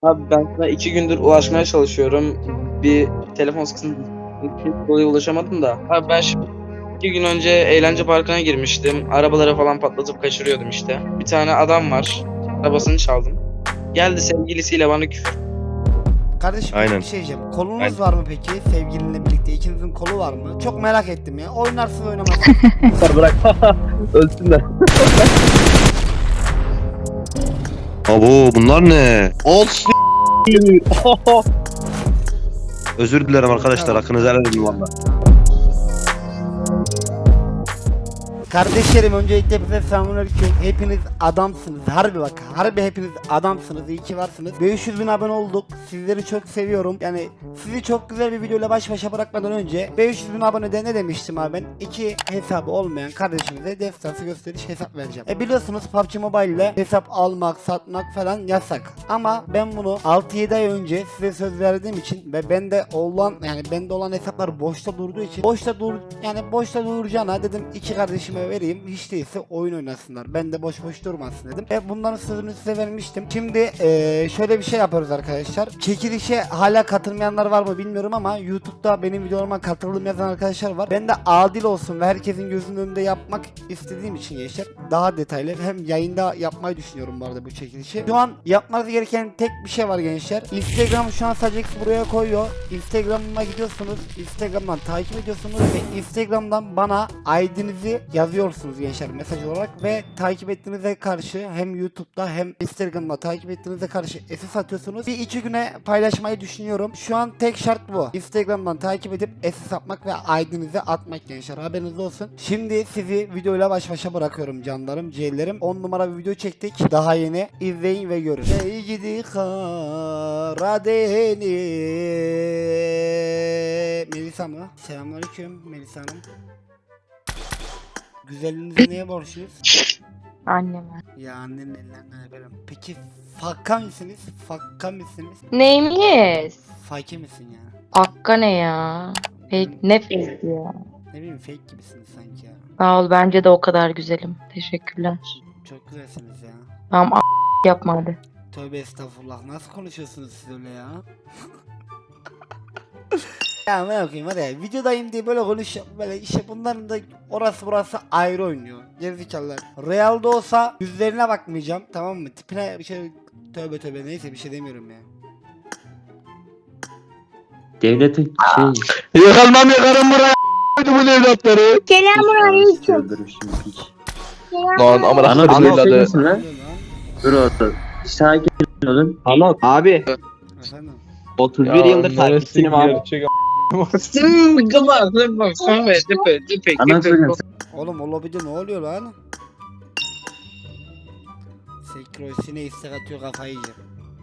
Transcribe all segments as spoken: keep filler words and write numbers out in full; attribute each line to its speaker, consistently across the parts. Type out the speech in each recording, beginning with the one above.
Speaker 1: Abi ben sana iki gündür ulaşmaya çalışıyorum. Bir telefon sıkıntısı dolayı ulaşamadım da. Abi ben şimdi iki gün önce eğlence parkına girmiştim. Arabaları falan patlatıp kaçırıyordum işte. Bir tane adam var. Arabasını çaldım. Geldi sevgilisiyle bana küfür.
Speaker 2: Kardeşim
Speaker 3: Aynen.
Speaker 2: bir şey diyeceğim. Kolunuz
Speaker 3: Aynen.
Speaker 2: var mı peki? Sevgilinle birlikte ikinizin kolu var mı? Çok merak ettim ya. Oynarsın oynamazsın.
Speaker 4: Bırak. Ölsünler.
Speaker 3: Abo bunlar ne? Olsun. Özür dilerim arkadaşlar, hakkınızı helal edin valla.
Speaker 2: Kardeşlerim öncelikle bize selamünaleyküm. Hepiniz adamsınız. Harbi bak. Harbi hepiniz adamsınız. İyi ki varsınız. beş yüz bin abone olduk. Sizleri çok seviyorum. Yani sizi çok güzel bir videoyla baş başa bırakmadan önce beş yüz bin abonede ne demiştim abi ben? İki hesabı olmayan kardeşimize destansı gösteriş hesap vereceğim. E biliyorsunuz P U B G Mobile ile hesap almak, satmak falan yasak. Ama ben bunu altı yedi ay önce size söz verdiğim için ve bende olan yani bende olan hesaplar boşta durduğu için boşta dur yani boşta duracağına dedim iki kardeşime vereyim, hiç değilse oyun oynasınlar. Ben de boş boş durmasın dedim. Ve bunların sözünü size vermiştim. Şimdi eee, şöyle bir şey yapıyoruz arkadaşlar. Çekilişe hala katılmayanlar var mı bilmiyorum ama YouTube'da benim videolarıma katıldım yazan arkadaşlar var. Ben de adil olsun ve herkesin gözünün önünde yapmak istediğim için gençler daha detaylı hem yayında yapmayı düşünüyorum bu arada bu çekilişi. Şu an yapmanız gereken tek bir şey var gençler. Instagram şu an sadece buraya koyuyor. Instagram'ıma gidiyorsunuz. Instagram'dan takip ediyorsunuz ve Instagram'dan bana I D'nizi yazıyorsunuz gençler mesaj olarak ve takip ettiğinize karşı hem YouTube'da hem Instagram'da takip ettiğinize karşı S S atıyorsunuz. Bir iki güne paylaşmayı düşünüyorum. Şu an tek şart bu. Instagram'dan takip edip S S atmak ve I D'nizi atmak gençler. Haberiniz olsun. Şimdi sizi videoyla baş başa bırakıyorum canlarım, ciğerlerim. on numara bir video çektik. Daha yeni. İzleyin ve görün. Ey gidi Karadeniz. Melisa mı? Selamünaleyküm Melisa Hanım. Güzelliğinize neye borçluyuz?
Speaker 5: Anneme.
Speaker 2: Ya annenin ellerinden öperim. Peki fakka mısınız? Fakka mısınız?
Speaker 5: Neyimiz?
Speaker 2: Fake misin ya?
Speaker 5: Hakka ne ya? Fake, ne fake ya?
Speaker 2: Ne bileyim fake gibisiniz sanki ya.
Speaker 5: Sağ ol, bence de o kadar güzelim. Teşekkürler.
Speaker 2: Çok güzelsiniz ya.
Speaker 5: Tamam a- yapma hadi.
Speaker 2: Tövbe estağfurullah. Nasıl konuşuyorsunuz siz öyle ya? Ya ben okuyayım hadi ya. Videodayım diye böyle konuş böyle işte bunların da orası burası ayrı oynuyor. Gerizekalılar. Real'da olsa yüzlerine bakmayacağım, tamam mı? Tipine bir şey tövbe tövbe neyse bir şey demiyorum ya.
Speaker 4: Devletin şey.
Speaker 3: Yakalmam yakarım buraya bu evlatları.
Speaker 6: Selamünaleyküm.
Speaker 4: Öldürürsün piç.
Speaker 3: Lan amına
Speaker 4: Ana
Speaker 3: koydum
Speaker 4: bir
Speaker 3: evladı.
Speaker 4: şey misin lan?
Speaker 2: Ne oluyor lan?
Speaker 4: Dur orada. Sakin olun.
Speaker 1: Anlat.
Speaker 4: Abi.
Speaker 2: Efendim?
Speaker 4: otuz bir yıldır takipçinim abi. Anlatacağım.
Speaker 2: Oğlum o lobide ne oluyor lan? Sekrosine istek atıyor, kafayı yiyeceğim.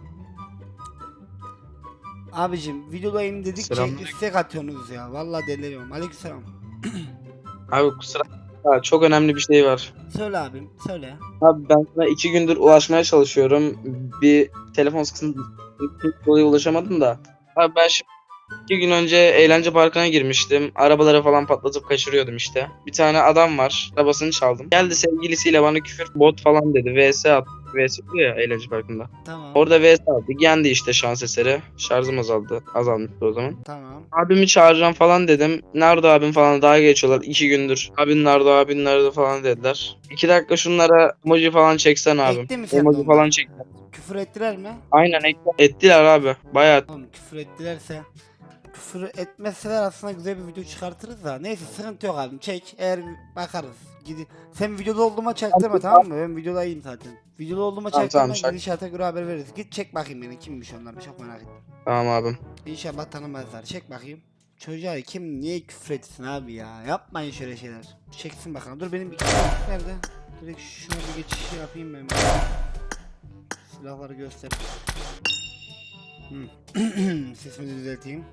Speaker 2: Abicim videodayım dedikçe
Speaker 1: Selamünaleyküm.
Speaker 2: istek atıyorsunuz ya. Vallahi deliriyorum. Aleykümselam.
Speaker 1: Abi kusura bakma, çok önemli bir şey var.
Speaker 2: Söyle abim, söyle.
Speaker 1: Abi ben sana iki gündür ulaşmaya çalışıyorum. Bir telefon sıkıntısı dolayı ulaşamadım da. Abi ben şimdi iki gün önce eğlence parkına girmiştim. Arabaları falan patlatıp kaçırıyordum işte. Bir tane adam var. Arabasını çaldım. Geldi sevgilisiyle bana küfür bot falan dedi. V S attı. V S oluyor ya eğlence parkında.
Speaker 2: Tamam.
Speaker 1: Orada V S attı. Yendi işte şans eseri. Şarjım azaldı. Azalmıştı o zaman.
Speaker 2: Tamam.
Speaker 1: Abimi çağıracağım falan dedim. Nerede abim falan daha geçiyorlar iki gündür. Abin nerede abin nerede falan dediler. İki dakika şunlara emoji falan çeksen abim.
Speaker 2: Ekti mi sen de
Speaker 1: Emoji
Speaker 2: onları?
Speaker 1: falan çek.
Speaker 2: Küfür ettiler mi?
Speaker 1: Aynen ek- ettiler abi. Bayağı.
Speaker 2: Oğlum küfür ettilerse küfür etmeseler aslında güzel bir video çıkartırız da. Neyse sıkıntı yok abim, çek, eğer bakarız. Gidi. Sen videoda olduğuma çaktırma, tamam mı? Ben videodayım zaten. Videoda olduğuma
Speaker 1: Tamam,
Speaker 2: çaktırma,
Speaker 1: tamam, şak-
Speaker 2: gidişata göre haber veririz. Git çek bakayım beni, kimmiş onlar, çok merak ettim.
Speaker 1: Tamam abim.
Speaker 2: İnşallah tanımazlar. Çek bakayım. Çocuğa kim niye küfür etsin abi ya? Yapmayın şöyle şeyler. Çeksin bakalım. Dur benim bir nerede? Direkt şuna bir geçiş yapayım ben. Silahları göster. Hmm. Sesimi düzelteyim.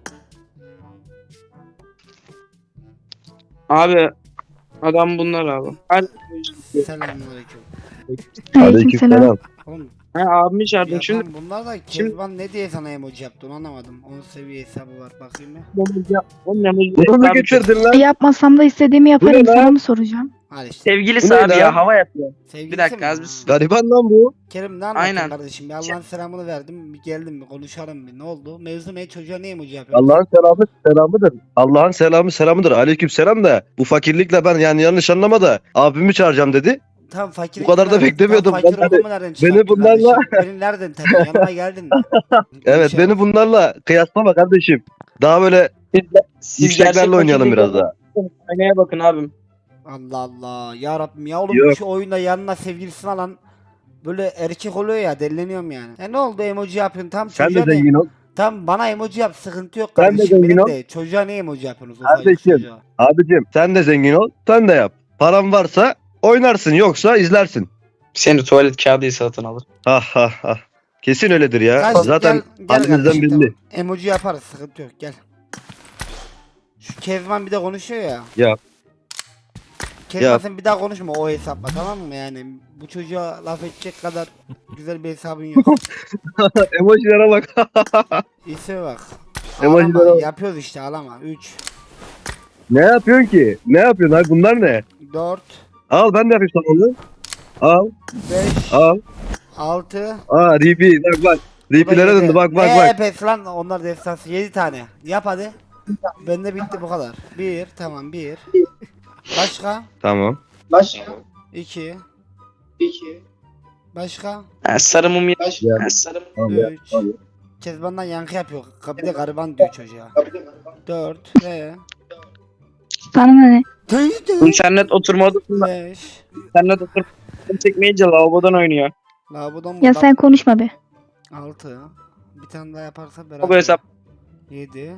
Speaker 1: Abi adam bunlar abi. Hadi.
Speaker 2: Selamünaleyküm.
Speaker 3: Aleykümselam.
Speaker 2: Oğlum
Speaker 1: Ha, abimi çağırdım
Speaker 2: ya
Speaker 1: şimdi.
Speaker 2: tamam, bunlar da
Speaker 1: Şimdi-
Speaker 2: Kezban ne diye sana emoji yaptı onu anlamadım. onun seviye hesabı var, bakayım mı?
Speaker 1: Onun emoji-
Speaker 3: Bunu mu
Speaker 1: Abi,
Speaker 3: getirdin lan?
Speaker 6: Yapmasam da istediğimi yaparım.
Speaker 1: Bu ne lan?
Speaker 6: Sana mı soracağım?
Speaker 2: Hadi işte.
Speaker 1: Sevgilisi
Speaker 3: Bu ne
Speaker 1: abi
Speaker 3: lan?
Speaker 1: ya hava yapıyor.
Speaker 2: Sevgilisi
Speaker 1: Bir dakika
Speaker 2: mi?
Speaker 1: az bir
Speaker 2: Ha.
Speaker 1: sus.
Speaker 3: Gariban lan bu.
Speaker 2: Kerim ne anlatıyorsun
Speaker 1: Aynen.
Speaker 2: kardeşim? Bir Allah'ın selamını verdim. Bir geldim bir konuşalım bir. Ne oldu? Mevzu ne? Çocuğa ne emoji yapıyorsun?
Speaker 3: Allah'ın selamı selamıdır. Allah'ın selamı selamıdır. Aleyküm selam da bu fakirlikle ben yani yanlış anlama da abimi çağıracağım dedi.
Speaker 2: Tam fakir.
Speaker 3: Bu kadar da beklemiyordum.
Speaker 2: Tam fakir
Speaker 3: Ben de-
Speaker 2: olduğumu nereden çıkarttın
Speaker 3: bunlarla-
Speaker 2: kardeşim? Beni nereden tanıyorsun? Yanıma geldin mi?
Speaker 3: Evet beni bunlarla kıyaslama kardeşim. Daha böyle
Speaker 1: Siz
Speaker 3: yükseklerle
Speaker 1: gerçek
Speaker 3: oynayalım
Speaker 1: fakirlik
Speaker 3: biraz daha.
Speaker 1: Aynaya bakın abim.
Speaker 2: Allah Allah. Ya Rabbim ya oğlum
Speaker 3: Yok.
Speaker 2: şu oyunda yanına sevgilisini alan böyle erkek oluyor ya delleniyorum yani. Ya ne oldu emoji yapıyorsun tam
Speaker 3: Sen de
Speaker 2: çocuğa ne?
Speaker 3: zengin ol.
Speaker 2: Tam bana emoji yap sıkıntı yok
Speaker 3: Sen de
Speaker 2: kardeşim
Speaker 3: zengin
Speaker 2: benim
Speaker 3: ol.
Speaker 2: de. Çocuğa ne emoji yapıyorsunuz? ufacık
Speaker 3: Kardeşim.
Speaker 2: çocuğa?
Speaker 3: Abicim sen de zengin ol. Sen de yap. Paran varsa oynarsın yoksa izlersin.
Speaker 1: Seni tuvalet kağıdı satın alır.
Speaker 3: Ha ha ha. Kesin öyledir ya.
Speaker 2: Kardeşim,
Speaker 3: Zaten
Speaker 2: gel- gel
Speaker 3: halimizden
Speaker 2: kardeşim,
Speaker 3: belli.
Speaker 2: tamam. Emoji yaparız sıkıntı yok gel. Şu Kezban bir de konuşuyor ya.
Speaker 3: Yap.
Speaker 2: Kezban
Speaker 3: Yap.
Speaker 2: sen bir daha konuşma o hesapla tamam mı yani bu çocuğa laf edecek kadar güzel bir hesabın yok.
Speaker 3: Emojilere bak.
Speaker 2: İsme bak.
Speaker 3: Emojiler
Speaker 2: Ağlama,
Speaker 3: al.
Speaker 2: yapıyoruz işte ağlama. üç,
Speaker 3: Ne yapıyorsun ki? Ne yapıyorsun? Hayır, bunlar ne?
Speaker 2: dört,
Speaker 3: Al ben de yapayım sana onu. Al.
Speaker 2: beş,
Speaker 3: Al.
Speaker 2: altı.
Speaker 3: Aa Ripi bak bak. Ripilere döndü bak bak
Speaker 2: ne
Speaker 3: bak.
Speaker 2: epes lan onlar destansı yedi tane. Yap hadi. Bende bitti bu kadar. bir tamam bir. Başka?
Speaker 3: Tamam.
Speaker 2: iki. Başka?
Speaker 1: Ha, sarı mum ya.
Speaker 3: Ya.
Speaker 1: Ha, sarı mum.
Speaker 3: Tamam ya.
Speaker 2: üç.
Speaker 3: Tamam.
Speaker 2: Kezban'dan yankı yapıyor. Bir de gariban diyor çocuğa. dört. Ve
Speaker 5: Sana ne?
Speaker 1: İnternet oturma odasında.
Speaker 2: beş.
Speaker 1: İnternet oturma odasında çekmeyince lavabodan oynuyor.
Speaker 2: Lavabodan
Speaker 5: Ya sen konuşma be.
Speaker 2: altı. Bir tane daha yaparsa
Speaker 1: O bu
Speaker 2: beraber.
Speaker 1: hesap.
Speaker 2: yedi.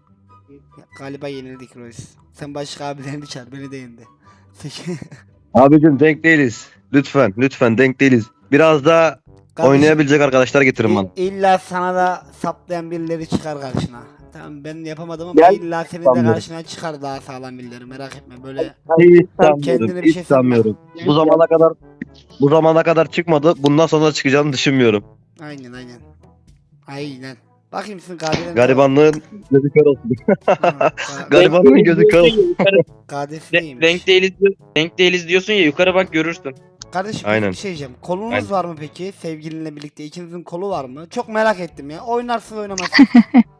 Speaker 2: Galiba yenildik Royce. Sen başka abilerini çağır beni de yendi. sekiz.
Speaker 3: Abicim denk değiliz. Lütfen lütfen denk değiliz. Biraz daha
Speaker 2: Kardeşim,
Speaker 3: oynayabilecek arkadaşlar getirin bana.
Speaker 2: İ- İlla sana da saplayan birileri çıkar karşına. Tamam ben yapamadım ama
Speaker 3: Gel.
Speaker 2: illa senin de
Speaker 3: Sanmıyorum.
Speaker 2: karşına çıkar daha sağlam birileri merak etme böyle.
Speaker 3: Hiç
Speaker 2: Kendine
Speaker 3: sanmıyorum.
Speaker 2: bir şey
Speaker 3: Hiç sanmıyorum. Bu zamana kadar bu zamana kadar çıkmadı. Bundan sonra çıkacağını düşünmüyorum.
Speaker 2: Aynen aynen. Aynen. Bakayım sizin kaderin.
Speaker 3: Garibanlığın gözü kör olsun.
Speaker 2: Ha,
Speaker 3: Garibanlığın gözü kör olsun.
Speaker 1: Yukarı-
Speaker 2: Kadesi
Speaker 1: De-
Speaker 2: neymiş?
Speaker 1: Denk değiliz, denk değiliz diyorsun ya yukarı bak görürsün.
Speaker 2: Kardeşim
Speaker 3: Aynen.
Speaker 2: bir şey diyeceğim. Kolunuz
Speaker 3: Aynen.
Speaker 2: var mı peki? Sevgilinle birlikte ikinizin kolu var mı? Çok merak ettim ya. Oynarsın oynamazsın.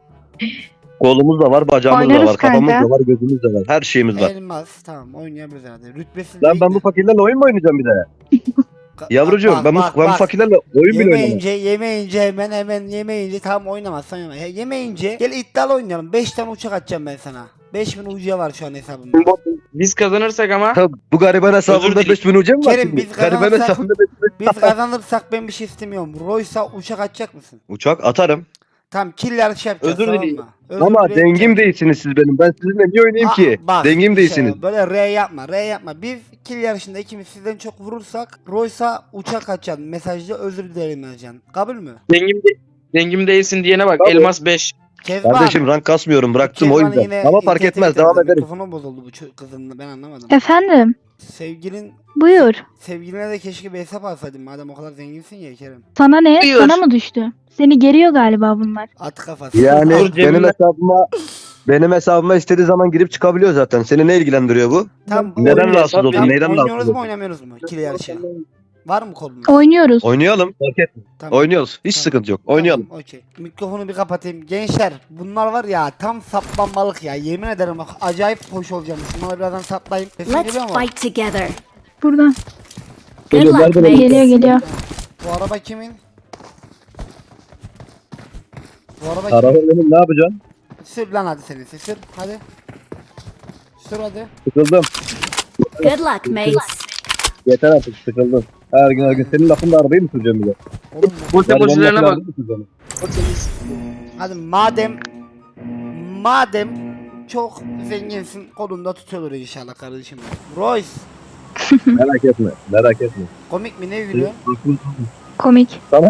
Speaker 3: Kolumuz da var, bacağımız da
Speaker 5: Oynarız
Speaker 3: var, kafamız
Speaker 5: kanka.
Speaker 3: da var, gözümüz de var. Her şeyimiz var.
Speaker 2: Elmas tamam oynayabiliriz herhalde. Rütbesi
Speaker 3: Lan ben bu fakirlerle oyun mu oynayacağım bir de? Yavrucuğum ben bu, ben bu fakirlerle oyun bile oynamam.
Speaker 2: Yemeyince yemeyince hemen hemen yemeyince tamam oynamazsan yeme. He, yemeyince gel iddialı oynayalım. beş tane uçak atacağım ben sana. beş bin ucuya var şu an hesabımda.
Speaker 1: Biz kazanırsak ama
Speaker 3: Ha, bu gariban hesabında
Speaker 1: dilerim.
Speaker 3: beş bin ucu mu var
Speaker 2: Kerim,
Speaker 3: şimdi?
Speaker 2: biz
Speaker 3: Gariban
Speaker 2: kazanırsak-
Speaker 3: hesabında beş bin.
Speaker 2: Biz kazanırsak ben bir şey istemiyorum. Roysa uçak atacak mısın?
Speaker 3: Uçak atarım.
Speaker 2: Tamam kill yarışı yapacağız
Speaker 1: Özür
Speaker 2: tamam
Speaker 1: dileyim.
Speaker 2: mı? Özür
Speaker 3: Ama
Speaker 2: dileyim,
Speaker 3: dengim
Speaker 2: uçak-
Speaker 3: değilsiniz siz benim. Ben sizinle niye oynayayım
Speaker 2: Aa,
Speaker 3: ki?
Speaker 2: bak,
Speaker 3: Dengim
Speaker 2: işte
Speaker 3: değilsiniz.
Speaker 2: Böyle R yapma, R yapma. Biz kill yarışında ikimiz sizden çok vurursak Roysa uçak açacaksın. Mesajda özür dilerim yazacaksın. Kabul mü?
Speaker 1: dengim, de- dengim değilsin diyene bak
Speaker 3: Tabii.
Speaker 1: elmas beş.
Speaker 2: Kezban.
Speaker 3: Kardeşim rank kasmıyorum. Bıraktım o
Speaker 2: Kezban'ın
Speaker 3: yüzden.
Speaker 2: yine
Speaker 3: Ama fark
Speaker 2: internete
Speaker 3: etmez.
Speaker 2: getirdi.
Speaker 3: Devam ederim.
Speaker 2: Mikrofonu bozuldu bu ço- kızın ben anlamadım.
Speaker 5: Efendim?
Speaker 2: Sevgilin
Speaker 5: Buyur.
Speaker 2: sevgiline de keşke bir hesap alsaydın madem o kadar zenginsin ya Kerem.
Speaker 5: Sana ne?
Speaker 1: Buyur.
Speaker 5: Sana mı düştü? Seni geriyor galiba bunlar.
Speaker 2: At kafası.
Speaker 3: Yani
Speaker 1: Dur,
Speaker 3: benim
Speaker 1: cebimden-
Speaker 3: hesabıma benim hesabıma istediği zaman girip çıkabiliyor zaten. Seni ne ilgilendiriyor bu?
Speaker 2: Tam
Speaker 3: Neden
Speaker 1: Oyun
Speaker 3: rahatsız
Speaker 1: hesap-
Speaker 3: oldun?
Speaker 2: Tam
Speaker 3: Neyden
Speaker 2: oynuyoruz
Speaker 3: rahatsız
Speaker 2: mu
Speaker 3: oldun?
Speaker 2: oynamıyoruz mu? İkili yarışı. Var mı kolunuz?
Speaker 5: Oynuyoruz.
Speaker 3: Oynayalım. Fark etme.
Speaker 2: Tamam.
Speaker 3: Oynuyoruz. Hiç
Speaker 2: Tamam.
Speaker 3: sıkıntı yok. Oynayalım.
Speaker 2: Tamam, okey. Mikrofonu bir kapatayım. Gençler bunlar var ya tam saplanmalık ya. Yemin ederim bak acayip hoş olacağım. Şunları birazdan saplayayım. Sesim
Speaker 6: Let's
Speaker 2: geliyor mu?
Speaker 6: fight together.
Speaker 5: Buradan.
Speaker 6: Good
Speaker 3: Geliyor,
Speaker 6: luck,
Speaker 3: nereden
Speaker 6: mates.
Speaker 5: Geliyor geliyor.
Speaker 2: Bu araba kimin? Bu araba
Speaker 3: Araba
Speaker 2: kimin?
Speaker 3: benim, ne yapacaksın?
Speaker 2: Sür lan hadi seni. Sür hadi. Sür hadi.
Speaker 3: Sıkıldım.
Speaker 6: Good luck, mates.
Speaker 3: Yeter artık sıkıldım. Her gün her gün senin lafında arabayı mı süreceğim bir de?
Speaker 2: Oğlum
Speaker 1: Bu
Speaker 3: Garibanın
Speaker 1: emojilerine
Speaker 3: lafını
Speaker 1: bak.
Speaker 3: arabayı mı süreceğim?
Speaker 2: hadi madem madem çok zenginsin kolunda tutuyordur inşallah kardeşim. Royce
Speaker 3: Merak etme. Merak etme.
Speaker 2: komik mi ne gülüyor?
Speaker 5: Komik.
Speaker 3: Tamam.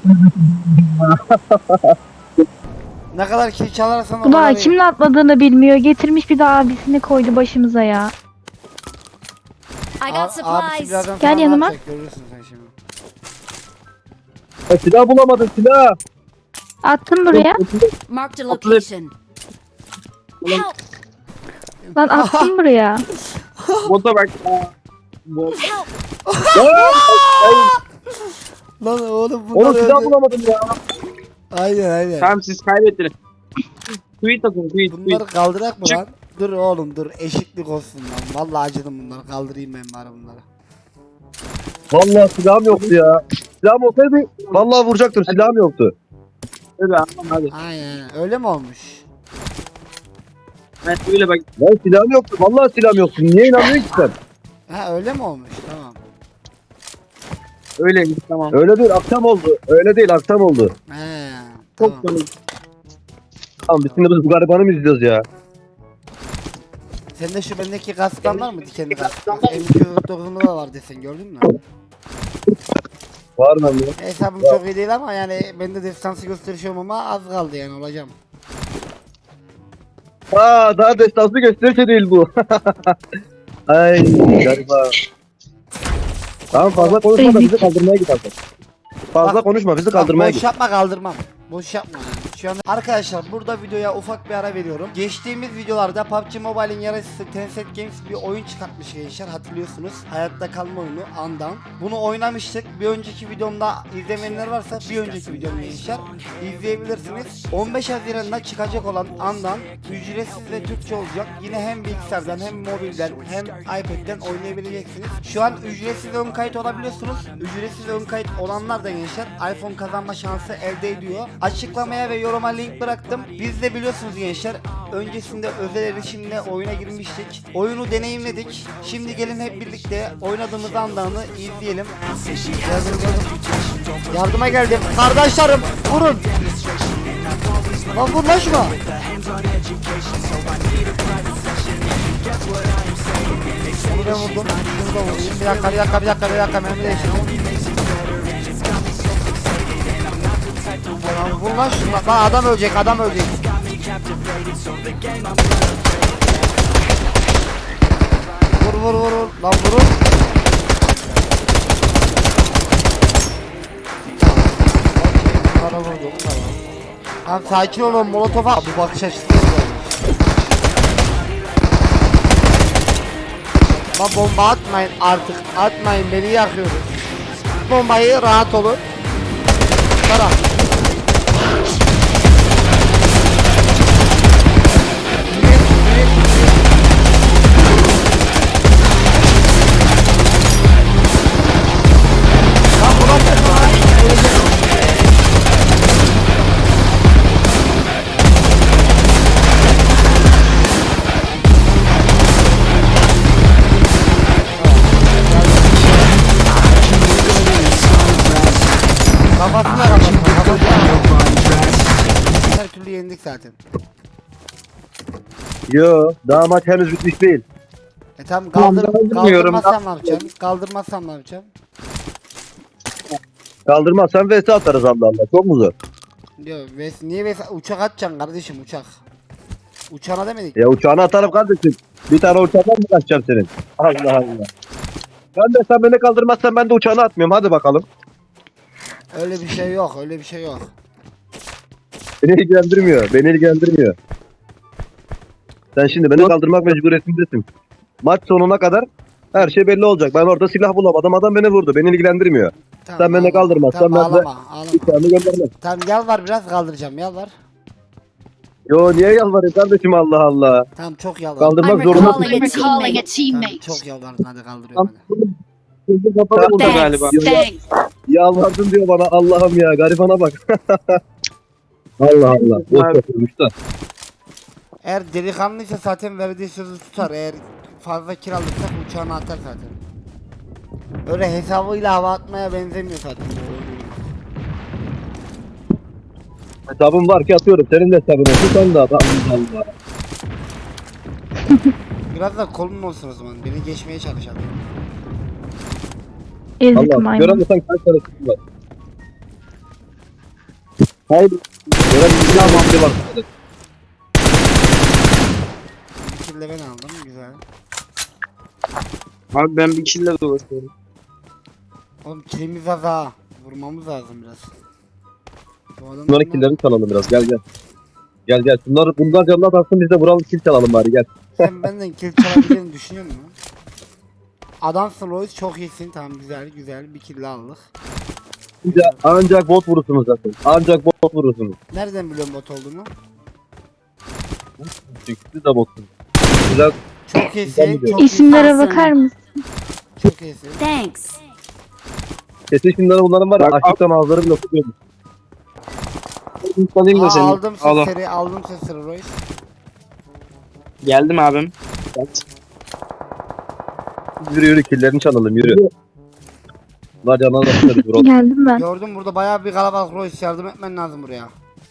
Speaker 2: Ne kadar kill çalarsan o
Speaker 5: Bu da
Speaker 2: kadar iyi.
Speaker 5: kimle atladığını bilmiyor. Getirmiş bir de abisini koydu başımıza ya.
Speaker 6: I
Speaker 2: A-
Speaker 6: got
Speaker 2: abisi
Speaker 6: supplies.
Speaker 2: birazdan
Speaker 5: Gel
Speaker 2: sana ne
Speaker 5: yanıma.
Speaker 2: yapacak, görürsün sen şimdi.
Speaker 3: Ya, silah bulamadım silah.
Speaker 5: Attım buraya.
Speaker 6: Marked a location. Help!
Speaker 5: Lan attım buraya.
Speaker 1: Bota bak.
Speaker 6: Help!
Speaker 2: Lan oğlum bunlar
Speaker 3: Oğlum silah
Speaker 2: öldü.
Speaker 3: bulamadım ya.
Speaker 2: Aynen aynen.
Speaker 1: Tamam siz kaybettiniz. Tweet atın tweet
Speaker 2: Bunları
Speaker 1: tweet.
Speaker 2: kaldırak mı
Speaker 1: Çık.
Speaker 2: lan? Dur oğlum dur eşitlik olsun lan. Vallahi acıdım bunları kaldırayım ben bari bunları.
Speaker 3: Vallahi silahım yoktu ya. Silahım olsaydı vallahi vuracaktım, silahım yoktu.
Speaker 1: Hadi anlam hadi.
Speaker 2: Aynen öyle mi olmuş?
Speaker 1: Ben öyle bak.
Speaker 3: Lan silahım yoktu, vallahi silahım yoktu. Niye inanmıyorsun ki sen?
Speaker 2: Ha öyle mi olmuş? Tamam.
Speaker 1: Öyleymiş tamam.
Speaker 3: Öyle değil, akşam oldu. Öyle değil, akşam oldu.
Speaker 2: He
Speaker 1: Çok
Speaker 2: tamam.
Speaker 1: komik.
Speaker 3: Tamam biz şimdi biz bu garibanı mı izliyoruz ya?
Speaker 2: Sende şu bendeki kasktan var mı dikenli kask? M iki yüz kırk dokuzunda da var desen gördün mü?
Speaker 3: Var mı? lan?
Speaker 2: Hesabım çok iyi değil ama yani bende destansı gösterişiyorum ama az kaldı yani olacağım.
Speaker 3: Aa daha destansı gösterişe değil bu. Ay gariban. Tamam fazla konuşma da bizi kaldırmaya git artık. Fazla
Speaker 2: Bak-
Speaker 3: konuşma bizi
Speaker 2: Bak,
Speaker 3: kaldırmaya
Speaker 2: boş
Speaker 3: git.
Speaker 2: yapma kaldırmam. Boş yapma yani. Şu an arkadaşlar burada videoya ufak bir ara veriyorum. Geçtiğimiz videolarda P U B G Mobile'in yarısı Tencent Games bir oyun çıkartmış gençler hatırlıyorsunuz. Hayatta kalma oyunu Undown. Bunu oynamıştık. Bir önceki videomda izlemeyenler varsa bir önceki videomu gençler izleyebilirsiniz. on beş Haziran'da çıkacak olan Undown ücretsiz ve Türkçe olacak. Yine hem bilgisayardan hem mobilden hem iPad'den oynayabileceksiniz. Şu an ücretsiz ön kayıt olabiliyorsunuz. Ücretsiz ön kayıt olanlar da gençler iPhone kazanma şansı elde ediyor. Açıklamaya ve yoruma link bıraktım. Biz de biliyorsunuz gençler öncesinde özel erişimle oyuna girmiştik. Oyunu deneyimledik. Şimdi gelin hep birlikte oynadığımız anlarını izleyelim. Geldim, geldim. Yardıma geldim. Kardeşlerim vurun. Lan vur lan şuna. Bunu ben vurdum. Şunu da vurayım. Bir dakika bir dakika bir dakika bir dakika. Mermi değiştirdim. Lan vur lan şuna. Lan adam ölecek adam ölecek. Vur vur vur vur. Lan vurun. Bunlara vurdum. Tamam. Tamam sakin olun molotofa. Bu bakış açısı. Lan bomba atmayın artık. Atmayın beni yakıyoruz. Bombayı rahat olun. Tara. Lan buna bakma lan. Kafasına kafasına kafasına. Her türlü yendik zaten.
Speaker 3: Yo daha maç henüz bitmiş değil.
Speaker 2: E tamam kaldır,
Speaker 1: Tamam, kaldırmıyorum.
Speaker 2: kaldırmazsam ne yapacağım? Kaldırmazsam ne yapacağım?
Speaker 3: Kaldırmazsan vs atarız Allah Allah. Çok mu zor?
Speaker 2: Diyor ves niye ves uçak atacaksın kardeşim uçak. Uçağına demedik.
Speaker 3: Ya uçağını atarım kardeşim. Bir tane uçaktan mı kaçacağım senin? Allah Allah. Ben de sen beni kaldırmazsan ben de uçağını atmıyorum. Hadi bakalım.
Speaker 2: Öyle bir şey yok, öyle bir şey yok.
Speaker 3: Beni ilgilendirmiyor. Beni ilgilendirmiyor. Sen şimdi beni kaldırmak mecburiyetindesin. Maç sonuna kadar her şey belli olacak. Ben orada silah bulamadım. Adam beni vurdu. Beni ilgilendirmiyor.
Speaker 2: Tamam,
Speaker 3: Sen beni
Speaker 2: ağlama.
Speaker 3: kaldırmazsan
Speaker 2: tamam,
Speaker 3: ben de-
Speaker 2: ağlama, ağlama.
Speaker 3: Uçağını göndermem.
Speaker 2: Tamam yalvar biraz kaldıracağım yalvar.
Speaker 3: Yo niye yalvarayım kardeşim Allah Allah.
Speaker 2: Tamım çok yalvar.
Speaker 3: Kaldırmak
Speaker 6: I'm
Speaker 3: zorunda.
Speaker 6: recalling a
Speaker 7: Recalling a
Speaker 6: teammate.
Speaker 2: Tamam,
Speaker 7: teammate.
Speaker 2: çok yalvardın hadi kaldırıyorum hadi.
Speaker 1: Kapalı burada galiba.
Speaker 6: Thanks. Thanks.
Speaker 3: Yalvardın diyor bana Allah'ım ya. Garibana bak. Allah Allah. Boş yapılmış da.
Speaker 2: Eğer delikanlıysa zaten verdiği sözü tutar. Eğer fazla kiralıksak uçağına atar zaten. Öyle hesabıyla hava atmaya benzemiyor zaten.
Speaker 3: Hesabım var ki atıyorum. Senin de hesabın olsun. Sen de at. Allah Allah.
Speaker 2: Biraz da kolun olsun o zaman. Beni geçmeye çalış hadi.
Speaker 5: Ezik
Speaker 3: Allah.
Speaker 5: maymun.
Speaker 3: Göremezsen kaç tane sıkıntı var. Hayır. Göremezsen bir hamle var.
Speaker 2: Bir kill de ben aldım güzel.
Speaker 1: Abi ben bir kille dolaşıyorum.
Speaker 2: Oğlum killimiz az ha. Vurmamız lazım biraz. Bu adamlar
Speaker 3: Bunların
Speaker 2: ne-
Speaker 3: killerini çalalım biraz. Gel gel. Gel gel. Bunlar bundan canına taksın biz de vuralım kill çalalım bari gel.
Speaker 2: Sen benden kill çalabileceğini düşünüyor musun? Adamsın Royce, çok iyisin. Tamam, güzel güzel bir kill aldık.
Speaker 3: Bir de ancak bot vurursunuz zaten. Ancak bot vurursunuz.
Speaker 2: Nereden biliyorsun bot olduğunu?
Speaker 3: Çünkü siz de botsunuz. Güzel.
Speaker 2: Çok iyisin. Çok
Speaker 5: İsimlere
Speaker 2: iyisin.
Speaker 5: bakar mısın?
Speaker 2: Çok iyisin.
Speaker 6: Thanks.
Speaker 3: Kesin şimdi bunların var ya
Speaker 1: Bak,
Speaker 3: açlıktan ağızları bile tutuyormuş.
Speaker 1: Salayım da
Speaker 2: Aa,
Speaker 1: seni.
Speaker 2: aldım
Speaker 1: Al.
Speaker 2: sesleri, aldım sesleri Royce.
Speaker 1: Geldim abim.
Speaker 3: Yürü yürü killerini çalalım yürü. Bunlar canına da tutarız bro.
Speaker 5: Geldim ben.
Speaker 2: Gördüm burada bayağı bir kalabalık Royce, yardım etmen lazım buraya.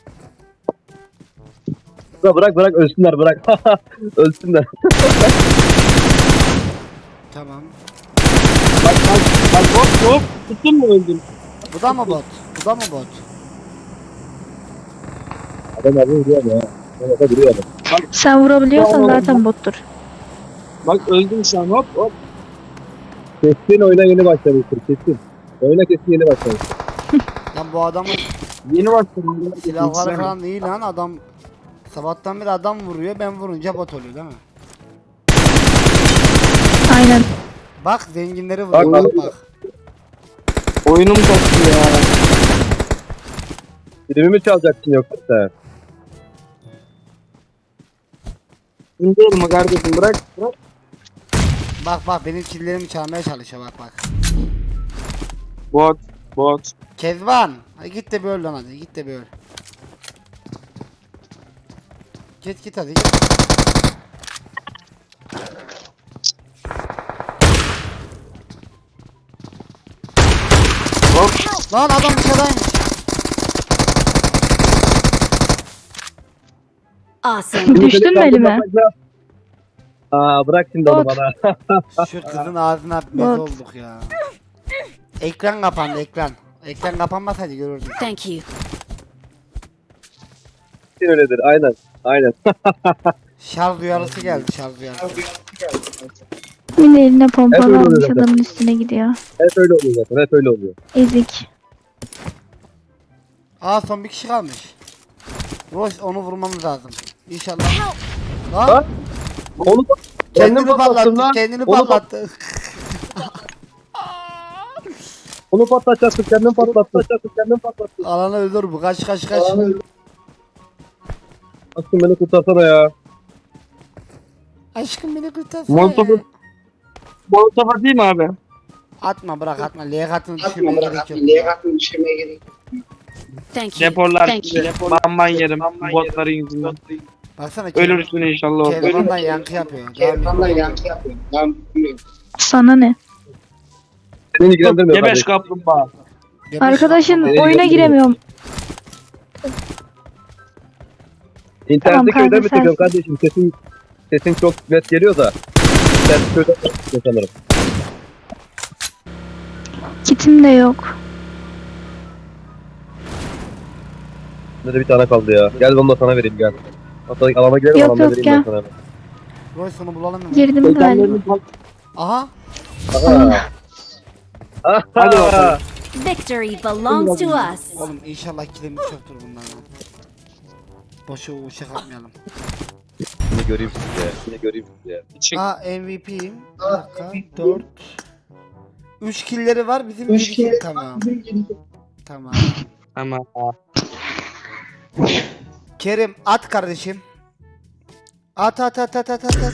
Speaker 3: Bırak bırak ölsünler bırak. Ölsünler.
Speaker 2: Tamam.
Speaker 1: Bak bak bak hop hop. Tuttun mu öldün?
Speaker 2: Bu da mı bot? Bu da mı bot?
Speaker 3: Adam abi vuruyor ya. Adam duruyor adam.
Speaker 5: Sen vurabiliyorsan zaten bottur.
Speaker 1: Bak öldüm şu an hop hop.
Speaker 3: Kesin oyuna yeni başlamıştır kesin. Oyuna kesin yeni başlamıştır.
Speaker 2: Lan bu adamın
Speaker 1: Yeni başladım.
Speaker 2: silahları falan iyi lan, adam sabahtan beri adam vuruyor, ben vurunca bot oluyor değil mi?
Speaker 5: Aynen.
Speaker 2: Bak zenginleri vuruyor,
Speaker 3: Bak,
Speaker 2: bak
Speaker 3: bak.
Speaker 2: bak.
Speaker 1: Oyunum koptu ya.
Speaker 3: Filmimi çalacaksın yoksa sen.
Speaker 1: Şimdi olma kardeşim bırak. Bırak.
Speaker 2: Bak bak benim killerimi çalmaya çalışıyor, bak bak.
Speaker 1: Bot. Bot.
Speaker 2: Kezban, hadi git de bir öl lan, hadi git de bir öl. Git git hadi git. Lan adam dışarıdaymış.
Speaker 6: Awesome.
Speaker 5: Düştün mü elime?
Speaker 3: Aa bırak şimdi onu
Speaker 5: Bot.
Speaker 3: bana.
Speaker 2: Şu kızın ağzına mez
Speaker 5: Bot.
Speaker 2: olduk ya. Ekran kapandı, ekran. Ekran kapanmasaydı görürdük.
Speaker 6: Thank you.
Speaker 3: Kesin öyledir aynen. Aynen.
Speaker 2: Şarj uyarısı geldi, şarj uyarısı.
Speaker 5: Yine eline
Speaker 3: Hep
Speaker 5: pompalı
Speaker 3: öyle
Speaker 5: almış
Speaker 3: oluyor zaten.
Speaker 5: adamın üstüne gidiyor.
Speaker 3: Hep öyle oluyor zaten. Hep öyle oluyor.
Speaker 5: Ezik.
Speaker 2: Aa son bir kişi kalmış. Royce onu vurmamız lazım. İnşallah.
Speaker 3: Lan!
Speaker 2: Lan
Speaker 3: Onu da
Speaker 2: kendini
Speaker 3: patlattım
Speaker 2: patlattı,
Speaker 3: lan.
Speaker 2: kendini
Speaker 3: Onu
Speaker 2: patlattı.
Speaker 3: Onu patlatacaksın. Kendin patlatacaksın. Kendin patlattın.
Speaker 2: Alanı öldür bu, kaç kaç kaç.
Speaker 3: Aşkım beni kurtarsana ya.
Speaker 2: Aşkım beni kurtarsana.
Speaker 1: Molotof'u Molotof atayım mı abi?
Speaker 2: Atma bırak atma, liyakatını düşürmeye gerek yok.
Speaker 6: Thank you.
Speaker 1: Deporlar.
Speaker 5: Thank you.
Speaker 1: Depor. Bamban yerim. Botların yüzünden.
Speaker 2: Baksana
Speaker 1: Ölürsün inşallah orada.
Speaker 2: Kezban'dan yankı yapıyor. Devam et.
Speaker 5: Sana ne?
Speaker 3: Seni ilgilendirmiyor
Speaker 1: Gebeş
Speaker 3: kardeşim.
Speaker 1: kaplumbağa.
Speaker 2: Gebeş
Speaker 5: Arkadaşın
Speaker 2: yapma.
Speaker 3: Beni
Speaker 5: oyuna
Speaker 3: ilgilendirmiyor.
Speaker 5: giremiyorum.
Speaker 3: İnternette
Speaker 5: Tamam,
Speaker 3: köyden mi
Speaker 5: kanka, sen-
Speaker 3: çıkıyorum kardeşim? Sesin, sesin çok net geliyor da. İnternette köyden mi çıkıyor sanırım.
Speaker 5: Kitim de yok.
Speaker 3: Bende de bir tane kaldı ya. Gel onu da sana vereyim gel. Hatta alana gidelim
Speaker 5: Yok,
Speaker 3: alana
Speaker 5: yok,
Speaker 3: vereyim
Speaker 5: gel.
Speaker 3: ben sana.
Speaker 2: Royce onu bulalım mı?
Speaker 5: Girdim galiba.
Speaker 2: Aha.
Speaker 3: Aha. Aha.
Speaker 1: Hadi bakalım.
Speaker 6: Victory belongs to us.
Speaker 2: Oğlum inşallah kilimiz çoktur bunlardan. Boşu uçak atmayalım.
Speaker 3: Yine göreyim sizi ya. Yine göreyim sizi ya.
Speaker 1: Çık.
Speaker 2: Aa M V P'yim. Bir dakika. dört. üç killleri var, bizim yedi kill tamam. Tamam.
Speaker 1: Ama
Speaker 2: Kerim at kardeşim. At at at at at at. at.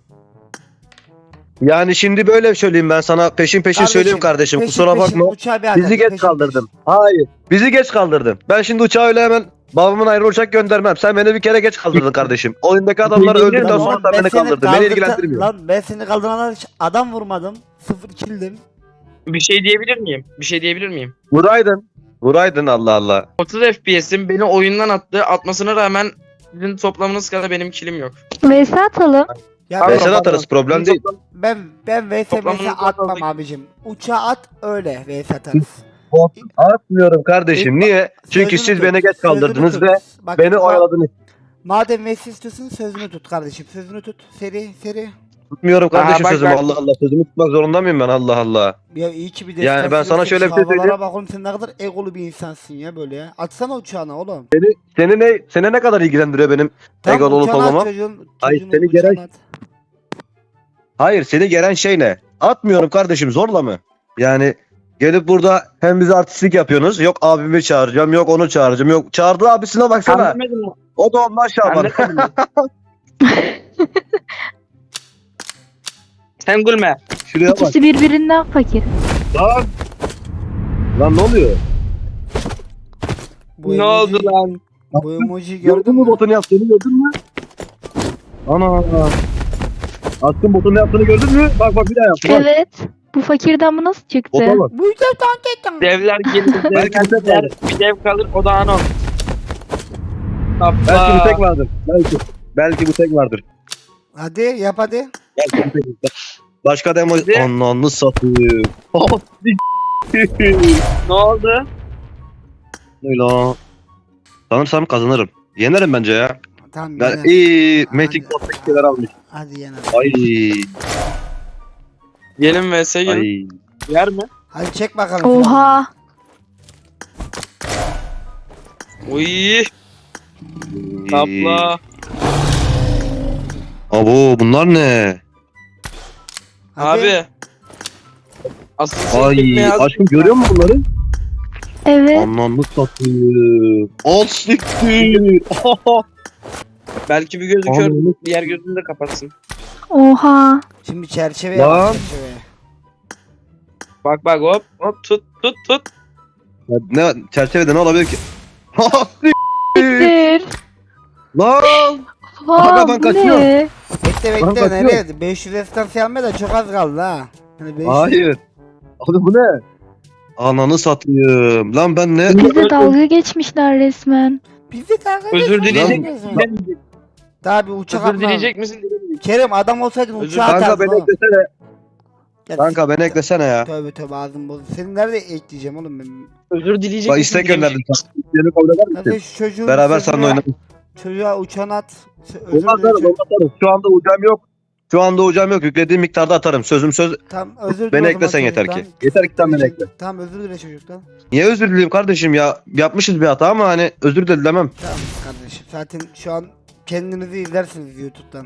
Speaker 3: Yani şimdi böyle söyleyeyim ben sana peşin peşin söyleyeyim kardeşim
Speaker 2: peşin
Speaker 3: kusura
Speaker 2: peşin
Speaker 3: bakma.
Speaker 2: uçağı bir at,
Speaker 3: Bizi
Speaker 2: hadi,
Speaker 3: geç
Speaker 2: peşin
Speaker 3: kaldırdın. Hayır. Bizi geç kaldırdın. Ben şimdi uçağı öyle hemen babamın ayrı uçak göndermem. Sen beni bir kere geç kaldırdın kardeşim. Oyundaki adamlar
Speaker 1: Peşin
Speaker 3: öldükten
Speaker 2: Lan
Speaker 3: sonra
Speaker 2: oğlum,
Speaker 3: da
Speaker 2: ben
Speaker 3: beni
Speaker 2: seni
Speaker 3: kaldırdın. Beni
Speaker 2: kaldırta-
Speaker 3: ilgilendirmiyor.
Speaker 2: Lan ben seni kaldırana hiç adam vurmadım. Sıfır killdim.
Speaker 1: bir şey diyebilir miyim? Bir şey diyebilir miyim?
Speaker 3: Vuraydın. Vuraydın Allah Allah.
Speaker 1: otuz F P S'im beni oyundan attı. Atmasına rağmen sizin toplamınız kadar benim kilim yok.
Speaker 5: V S atalım.
Speaker 2: Ya
Speaker 1: Abi,
Speaker 2: ben,
Speaker 3: Ben sana atarız problem değil.
Speaker 2: ben ben V S M S
Speaker 1: Toplamını
Speaker 2: atmam
Speaker 1: topladık.
Speaker 2: abicim. Uçağı at öyle V S atarız.
Speaker 3: Bot atmıyorum kardeşim. Niye? Çünkü
Speaker 2: Sözünü
Speaker 3: siz
Speaker 2: tut,
Speaker 3: beni geç
Speaker 2: sözünü
Speaker 3: kaldırdınız
Speaker 2: tut.
Speaker 3: ve
Speaker 2: Bak,
Speaker 3: beni
Speaker 2: ma-
Speaker 3: oyaladınız.
Speaker 2: Madem V S istiyorsun sözünü tut kardeşim. Sözünü tut. Seri seri.
Speaker 3: Tutmuyorum kardeşim
Speaker 1: bak
Speaker 3: sözümü.
Speaker 1: ben-
Speaker 3: Allah Allah. Sözümü tutmak zorunda mıyım ben? Allah Allah.
Speaker 2: Ya iyi ki bir
Speaker 3: Yani
Speaker 2: destek
Speaker 3: ben sana
Speaker 2: veriyorsun.
Speaker 3: şöyle bir
Speaker 2: Şu
Speaker 3: şey söyleyeyim.
Speaker 2: havalara bak oğlum, sen ne kadar egolu bir insansın ya böyle ya. Atsana uçağına oğlum.
Speaker 3: Seni ne seni ne kadar ilgilendiriyor benim
Speaker 2: Tam
Speaker 3: egolu olup
Speaker 2: uçağına at
Speaker 3: olmamam?
Speaker 2: çocuğun,
Speaker 3: Ay,
Speaker 2: çocuğun
Speaker 3: seni
Speaker 2: uçağına
Speaker 3: gelen-
Speaker 2: at.
Speaker 3: Hayır seni gelen şey ne? Atmıyorum kardeşim, zorla mı? Yani gelip burada hem bize artistlik yapıyorsunuz. Yok abimi çağıracağım, yok onu çağıracağım, yok çağırdığı abisine baksana.
Speaker 1: Anlamadın mı?
Speaker 3: O da ondan Şaban.
Speaker 1: Anlamadın mı? Sen gülme.
Speaker 3: Şuraya bak.
Speaker 5: İkisi birbirinden fakir.
Speaker 3: Lan. Lan ne oluyor?
Speaker 2: Bu
Speaker 1: Ne
Speaker 2: emoji-
Speaker 1: oldu lan?
Speaker 2: Bu emoji
Speaker 3: Gördün
Speaker 2: gördün
Speaker 3: mü
Speaker 2: mü?
Speaker 3: botun yaptığını, gördün mü? Ana. Aşkım botun yaptığını gördün mü? Bak bak bir daha yaptı. Bak.
Speaker 5: Evet. Bu fakirden bu nasıl çıktı?
Speaker 3: Bota bak.
Speaker 2: Bu yüzden tank
Speaker 1: Devler gelir,
Speaker 3: Belki
Speaker 1: devler
Speaker 3: bir tek
Speaker 1: gider,
Speaker 3: vardır.
Speaker 1: bir dev kalır, o da anon.
Speaker 3: Belki bu tek
Speaker 1: Hoppa.
Speaker 3: vardır. Belki. Belki bu tek vardır.
Speaker 2: Hadi yap hadi.
Speaker 3: Belki bu tek vardır. Başka da emoji.
Speaker 1: Hadi.
Speaker 3: Ananı satayım.
Speaker 1: Ne oldu?
Speaker 3: Öyle. Sanırsam kazanırım. Yenerim bence ya.
Speaker 2: Tamam
Speaker 3: Ben
Speaker 2: yener.
Speaker 3: iyi
Speaker 2: Hadi.
Speaker 3: Magic Bot'taki şeyler almış.
Speaker 2: Hadi yener.
Speaker 3: Ay.
Speaker 1: Gelin vs gelin.
Speaker 3: Ay.
Speaker 1: Yer mi?
Speaker 2: Hadi çek bakalım.
Speaker 5: Oha.
Speaker 1: Uy, tapla.
Speaker 3: Abo bunlar ne?
Speaker 2: Hadi.
Speaker 1: Abi. Asıl sen
Speaker 3: Ay
Speaker 1: kelime yaz.
Speaker 3: aşkım görüyor musun bunları?
Speaker 5: Evet.
Speaker 3: Anlamlı satayım. Al siktir.
Speaker 1: Belki bir gözü kör,
Speaker 3: Anladım.
Speaker 1: diğer gözünü de kapatsın.
Speaker 5: Oha.
Speaker 2: Şimdi çerçeve
Speaker 3: Lan.
Speaker 2: yap. Çerçeve.
Speaker 1: Bak bak hop hop tut tut tut.
Speaker 3: Ne çerçevede ne olabilir ki? Ha, siktir.
Speaker 5: Siktir.
Speaker 3: Lan.
Speaker 5: Oha
Speaker 3: Aga, ben
Speaker 5: bu
Speaker 3: kaçıyorum.
Speaker 5: ne?
Speaker 2: Bekle
Speaker 3: Lan
Speaker 2: bekle
Speaker 3: kaçıyor.
Speaker 2: nereye? beş yüz estansı almaya da çok az kaldı ha. Hani beş yüz.
Speaker 3: Hayır. Abi bu ne? Ananı satayım. Lan ben ne?
Speaker 5: Bize dalga geçmişler resmen.
Speaker 2: Biz de dalga
Speaker 1: Özür
Speaker 2: geçiyoruz.
Speaker 1: dileyecek
Speaker 2: Lan.
Speaker 1: misin?
Speaker 2: Daha bir uçak
Speaker 1: Özür
Speaker 2: atma.
Speaker 1: dileyecek misin? Dilemeyecek.
Speaker 2: Kerem adam olsaydın
Speaker 1: Özür-
Speaker 2: uçağa
Speaker 3: Kanka
Speaker 2: atardın
Speaker 3: beni
Speaker 2: oğlum.
Speaker 3: eklesene.
Speaker 2: Ya
Speaker 3: Kanka beni eklesene ya.
Speaker 2: Tövbe tövbe ağzım bozuldu. Seni nerede ekleyeceğim oğlum ben?
Speaker 1: Özür dileyecek
Speaker 3: Bak
Speaker 1: misin?
Speaker 3: istek
Speaker 1: dilemeyecek
Speaker 3: gönderdim sana. İsteğini kabul eder
Speaker 2: Hadi
Speaker 3: misin?
Speaker 2: şu çocuğu
Speaker 3: Beraber
Speaker 2: çocuğa-
Speaker 3: seninle oynarız.
Speaker 2: Çocuğa uçağını at. Özür
Speaker 3: Onu atarız,
Speaker 2: dilerim.
Speaker 3: onu atarız. Şu anda ucam yok. Şu anda ucam yok. Yüklediğim miktarda atarım. Sözüm söz.
Speaker 2: Tamam özür
Speaker 3: Beni
Speaker 2: dile o
Speaker 3: eklesen
Speaker 2: zaman
Speaker 3: yeter ki.
Speaker 2: çocuktan.
Speaker 3: Yeter ki sen beni ekle.
Speaker 2: Tamam özür dile çocuktan.
Speaker 3: Niye özür dileyim kardeşim ya? Yapmışız bir hata ama hani özür de dilemem.
Speaker 2: Tamam kardeşim zaten şu an kendinizi izlersiniz YouTube'dan.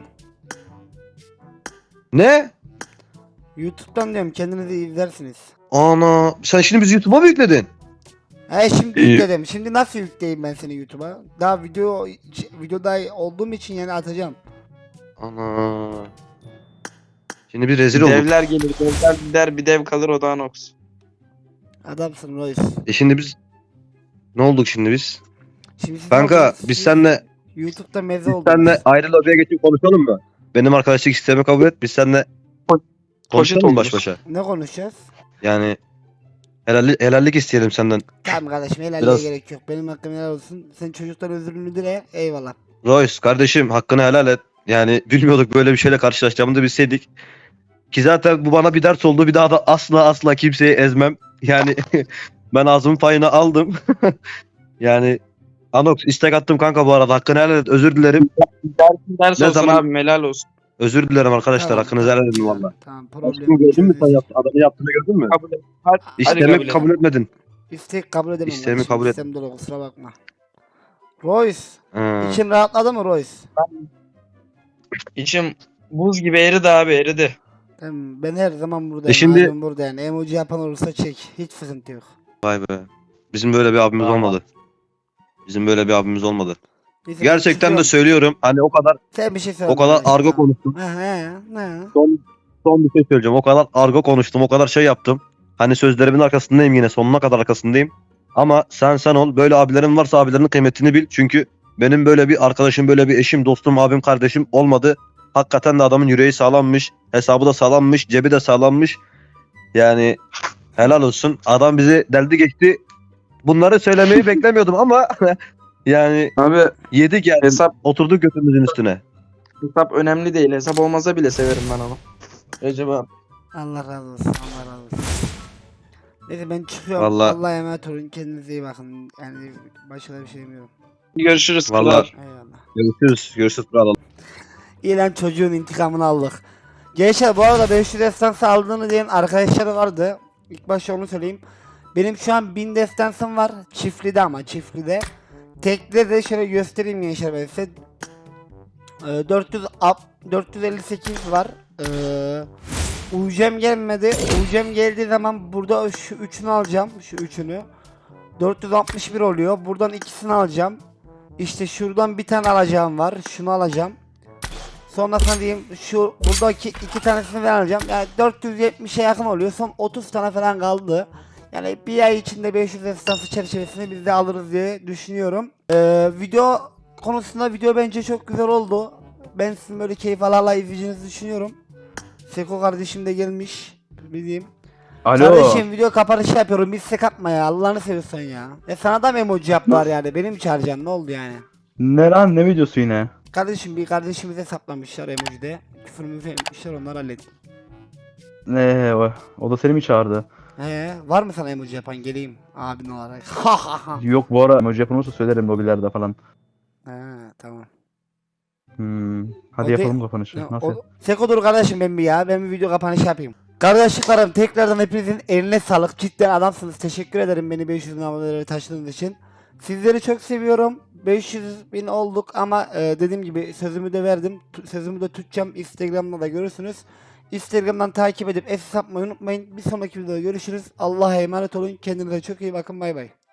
Speaker 3: Ne?
Speaker 2: YouTube'dan diyorum kendinizi izlersiniz.
Speaker 3: Ana sen şimdi bizi YouTube'a mı yükledin?
Speaker 2: He şimdi
Speaker 3: İyi.
Speaker 2: yükledim. Şimdi nasıl yükleyeyim ben seni YouTube'a? Daha video videoda olduğum için yani atacağım.
Speaker 3: Ana. Şimdi bir rezil olduk.
Speaker 1: Devler gelir, devler gider, bir dev kalır, o da anox.
Speaker 2: Adamsın Royce.
Speaker 3: E şimdi biz ne olduk şimdi biz?
Speaker 2: Şimdi siz
Speaker 3: Kanka
Speaker 2: oldunuz,
Speaker 3: biz
Speaker 2: siz
Speaker 3: seninle
Speaker 2: YouTube'da meze
Speaker 3: biz
Speaker 2: oldunuz.
Speaker 3: seninle ayrı lobiye geçip konuşalım mı? Benim arkadaşlık sistemi kabul et. Biz seninle konuşalım mı baş
Speaker 1: oluruz.
Speaker 3: başa?
Speaker 2: Ne konuşacağız?
Speaker 3: Yani helallik, helallik isteyelim senden.
Speaker 2: Tamam kardeşim helalliğe
Speaker 3: Biraz-
Speaker 2: gerek yok. Benim hakkım helal olsun. Sen çocuktan özürünü dile. Eyvallah.
Speaker 3: Royce kardeşim hakkını helal et. Yani bilmiyorduk böyle bir şeyle karşılaşacağımızı bilseydik. Ki zaten bu bana bir ders oldu. Bir daha da asla asla kimseyi ezmem. Yani ben ağzımın payını aldım. Yani Anox istek attım kanka bu arada. Hakkını helal et. Özür dilerim.
Speaker 1: Ders
Speaker 3: Ne
Speaker 1: olsun
Speaker 3: zaman-
Speaker 1: abi, helal olsun.
Speaker 3: Özür dilerim arkadaşlar.
Speaker 2: Tamam,
Speaker 3: Hakkınızı helal edin valla.
Speaker 2: Tamam problem.
Speaker 3: Aşkım gördün mü sen yaptın? Adamı yaptığını gördün mü?
Speaker 1: Kabul et. Hadi, hadi
Speaker 3: İstemi
Speaker 1: kabul et.
Speaker 3: kabul etmedin.
Speaker 2: İstek kabul edemem.
Speaker 3: İsteğimi
Speaker 2: kardeşim,
Speaker 3: kabul et.
Speaker 2: İstem dolu kusura bakma. Royce.
Speaker 3: Ha.
Speaker 2: İçin rahatladı mı Royce?
Speaker 1: İçim buz gibi eridi abi, eridi.
Speaker 2: Tamam, ben her zaman buradayım.
Speaker 3: E şimdi-
Speaker 2: Şimdi... burada yani. Emoji yapan olursa çek. Hiç sıkıntı yok.
Speaker 3: Vay be. Bizim böyle bir abimiz
Speaker 1: Tamam.
Speaker 3: olmadı. Bizim böyle bir abimiz olmadı.
Speaker 2: Neyse, ben
Speaker 3: Gerçekten de
Speaker 2: çıkıyorum.
Speaker 3: söylüyorum. Hani o kadar
Speaker 2: Sen bir şey söyle.
Speaker 3: o kadar
Speaker 2: kardeşim,
Speaker 3: argo
Speaker 2: tamam.
Speaker 3: konuştum.
Speaker 2: He he he.
Speaker 3: Son, son bir şey söyleyeceğim. O kadar argo konuştum. O kadar şey yaptım. Hani sözlerimin arkasındayım yine. Sonuna kadar arkasındayım. Ama sen sen ol. Böyle abilerin varsa abilerinin kıymetini bil. Çünkü benim böyle bir arkadaşım, böyle bir eşim, dostum, abim, kardeşim olmadı. Hakikaten de adamın yüreği sağlammış. Hesabı da sağlammış. Cebi de sağlammış. Yani helal olsun. Adam bizi deldi geçti. Bunları söylemeyi beklemiyordum ama yani
Speaker 1: Abi
Speaker 3: yedik yani.
Speaker 1: hesap
Speaker 3: Oturduk götümüzün üstüne.
Speaker 1: hesap önemli değil. Hesap olmasa bile severim ben onu. Recep abi.
Speaker 2: Allah razı olsun. Allah razı olsun. Neyse ben çıkıyorum.
Speaker 3: Vallahi-
Speaker 2: Allah'a emanet olun. Kendinize iyi bakın. Yani başka da bir şey demiyorum.
Speaker 1: Görüşürüz.
Speaker 3: Vallahi-
Speaker 1: kral.
Speaker 2: Eyvallah.
Speaker 3: Görüşürüz. Görüşürüz. Kral.
Speaker 2: İyi lan çocuğun intikamını aldık. Gençler bu arada beş yüz destansı aldığını diyen arkadaşlar vardı. İlk başta onu söyleyeyim. Benim şu an bin destansım var. Çiftli'de ama çiftli'de. Tekli de şöyle göstereyim gençler ben size. Ee, dört yüz ap- dört yüz elli sekiz var. Ee, U C'm gelmedi. U C'm geldiği zaman burada şu üçünü alacağım. Şu üçünü. dört yüz altmış bir oluyor. Buradan ikisini alacağım. İşte şuradan bir tane alacağım var. Şunu alacağım. Sonra sana diyeyim şu buradaki iki tanesini ben alacağım. Yani dört yüz yetmişe yakın oluyor. Son otuz tane falan kaldı. Yani bir ay içinde beş yüz esnafı çerçevesini biz de alırız diye düşünüyorum. Ee, video konusunda video bence çok güzel oldu. Ben sizin böyle keyif alarla izleyeceğinizi düşünüyorum. Seko kardeşim de gelmiş. Bileyim.
Speaker 7: Alo.
Speaker 2: Kardeşim video kapanışı yapıyorum. Bir sek atma ya. Allah'ını seviyorsan ya. E sana da mı emoji yaptılar yani? Benim çağıracaksın. Ne oldu yani?
Speaker 7: Ne lan, ne videosu yine?
Speaker 2: Kardeşim bir kardeşimize saplamışlar emojide. Küfürümüzü etmişler, onları halledin.
Speaker 7: Ne o, o da seni mi çağırdı?
Speaker 2: He, var mı sana emoji yapan, geleyim abin olarak. Ha ha ha.
Speaker 7: Yok, bu ara emoji yapılırsa söylerim lobilerde falan.
Speaker 2: He, tamam.
Speaker 7: Hmm. Hadi
Speaker 2: O de-
Speaker 7: yapalım kapanışı.
Speaker 2: Ya,
Speaker 7: Nasıl?
Speaker 2: o- Seko dur kardeşim, ben bir ya. Ben bir video kapanışı yapayım. Kardeşliklerim, tekrardan hepinizin eline sağlık. Cidden adamsınız. Teşekkür ederim beni beş yüz bin abonelere taşıdığınız için. Sizleri çok seviyorum. beş yüz bin olduk ama e, dediğim gibi sözümü de verdim. Tu- Sözümü de tutacağım. Instagram'da da görürsünüz. Instagram'dan takip edip es atmayı unutmayın. Bir sonraki videoda görüşürüz. Allah'a emanet olun. Kendinize çok iyi bakın. Bay bay.